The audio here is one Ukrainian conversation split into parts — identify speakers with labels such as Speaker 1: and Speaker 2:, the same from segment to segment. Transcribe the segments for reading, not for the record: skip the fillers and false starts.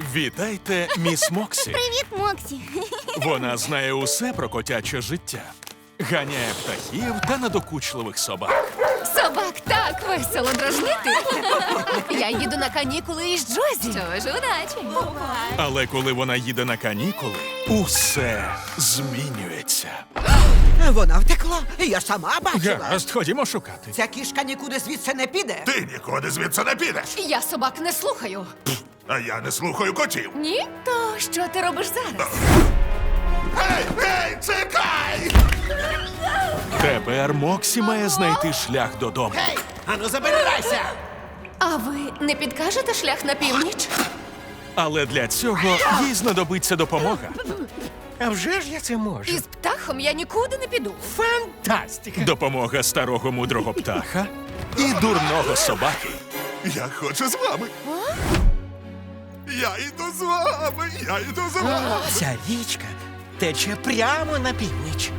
Speaker 1: Вітайте, міс Моксі.
Speaker 2: Привіт, Моксі.
Speaker 1: Вона знає усе про котяче життя. Ганяє птахів та надокучливих собак.
Speaker 3: Собак так весело дражнити. Я їду на канікули із Джозі.
Speaker 2: Що ж, удачі.
Speaker 1: Але коли вона їде на канікули, усе змінюється.
Speaker 4: Вона втекла, я сама бачила.
Speaker 1: Гаразд, ходімо шукати.
Speaker 4: Ця кішка нікуди звідси не піде.
Speaker 5: Ти нікуди звідси не підеш.
Speaker 3: Я собак не слухаю.
Speaker 5: А я не слухаю котів.
Speaker 3: Ні? То що ти робиш зараз?
Speaker 5: Гей, чекай!
Speaker 1: Тепер Моксі має знайти шлях додому.
Speaker 4: Ану, забирайся!
Speaker 3: А ви не підкажете шлях на північ?
Speaker 1: Але для цього їй знадобиться допомога.
Speaker 6: А вже ж я це можу.
Speaker 3: Із птахом я нікуди не піду.
Speaker 6: Фантастика!
Speaker 1: Допомога старого мудрого птаха і дурного собаки.
Speaker 5: Я хочу з вами. Я йду з вами, я йду з вами.
Speaker 6: Ця річка тече прямо на північ.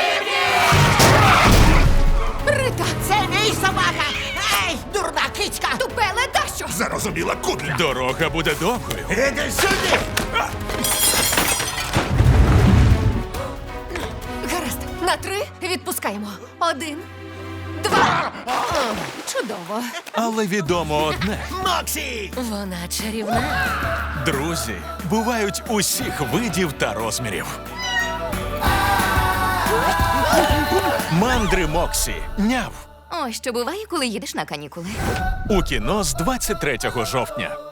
Speaker 3: Рита!
Speaker 4: Це мій собака! Ей, дурна кицька!
Speaker 3: Тупеле дащо!
Speaker 5: Зарозуміла кудля.
Speaker 1: Дорога буде довгою.
Speaker 5: Іди сюди!
Speaker 3: Гаразд, на 3 відпускаємо. 1, 2. Чудово.
Speaker 1: Але відомо одне.
Speaker 6: Моксі!
Speaker 3: Вона чарівна.
Speaker 1: Друзі бувають усіх видів та розмірів. Мандри Моксі. Няв.
Speaker 2: Ось що буває, коли їдеш на канікули.
Speaker 1: У кіно з 23 жовтня.